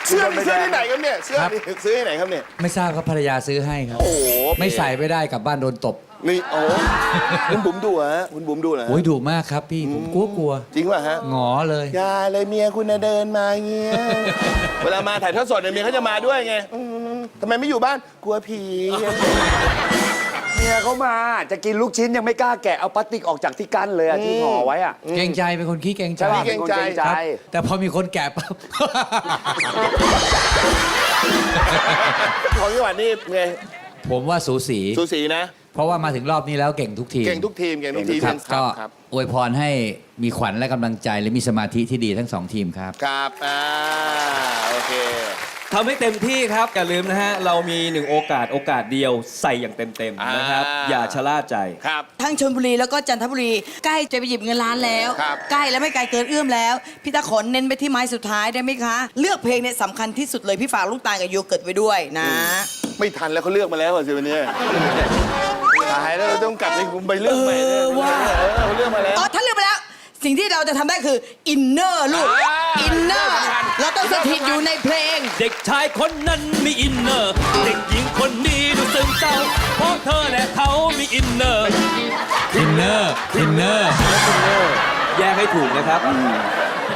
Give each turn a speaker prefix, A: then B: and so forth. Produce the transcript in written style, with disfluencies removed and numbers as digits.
A: เสื้อนี่ซื้อที่ไหนครับเนี่ยเสื้อนี่ซื้อที่ไหนครับเนี่ย
B: ไม่ทราบครับภรรยาซื้อให้ครับ
A: โอ้โห
B: ไม่ใส่ไม่ได้กลับบ้านโดนตบ
A: นี่โอ้โหคุณบุ๋มดูฮะคุณบุ๋มดูเหรอ
B: โอ้ยดุมากครับพี่ผมกลัว
A: จริงป่ะฮะ
B: หงอเลย
A: อย่าเลยเมียคุณน่ะเดินมาเงี้ย เวลามาถ่ายทอดสดเนี่ยเมียเขาจะมาด้วยไงทำไมไม่อยู่บ้านกลัวผี
C: เมียเขามาจะกินลูกชิ้นยังไม่กล้าแกะเอาพลาสติกออกจากที่กั้นเลยอะที่ห่อไว้อะ
B: เกรงใจเป็นคนขี้เกรงใจ
C: ใช่ป่ะ
A: เกรงใจ
C: เป็นคนเกรงใจ
B: ครับแต่พอมีคนแก่ปั๊บ
A: ของจังหวัดนี่ไง
B: ผมว่าสูสี
A: สูสีนะ
B: เพราะว่ามาถึงรอบนี้แล้วเก่งทุกทีม
A: เก่งทุกทีมเก่งทุกทีม
B: ครับก็
A: ครับ
B: อวยพรให้มีขวัญและกำลังใจและมีสมาธิที่ดีทั้งสองทีมครับ
A: ครับโอเค
D: ทำให้เต็มที่ครับอย่าลืมนะฮะ เรามี1โอกาสเดียวใส่อย่างเต็มๆนะครับ อย่าชะล่าใจ
A: ครับ
E: ทั้งชลบุรีแล้วก็จันทบุรีใกล้จะไปหยิบเงินล้านแล้ว
A: ครับ
E: ใกล้แล้วไม่ไกลเกินเอื้อมแล้ว พี่ตาขนเน้นไปที่ไม้สุดท้ายได้ไหมคะ เลือกเพลงเนี่ยสำคัญที่สุดเลยพี่ฝากลูกตาลกับโยเกิร์ตไว้ด้วยนะ
A: ไม่ทันแล้วเขาเลือกมาแล้วสิวันนี้ตายแล้วเราต้องกลับไปเลือกใหม่
E: ว่า
A: เขาเลือกมาแล้ว
E: อ๋อถ้าเลือกไปแล้ว สิ่งที่เราจะทำได้คืออินเนอร์ลูก อินเนอร์ เราต้องสถิตอยู่ในเพลง
D: เด็กชายคนนั้นมีอินเนอร์ เด็กหญิงคนนี้ดูซึมเศร้า เพราะเธอและเขามีอินเนอร์
B: อินเนอร์
D: แยกให้ถูกนะครับ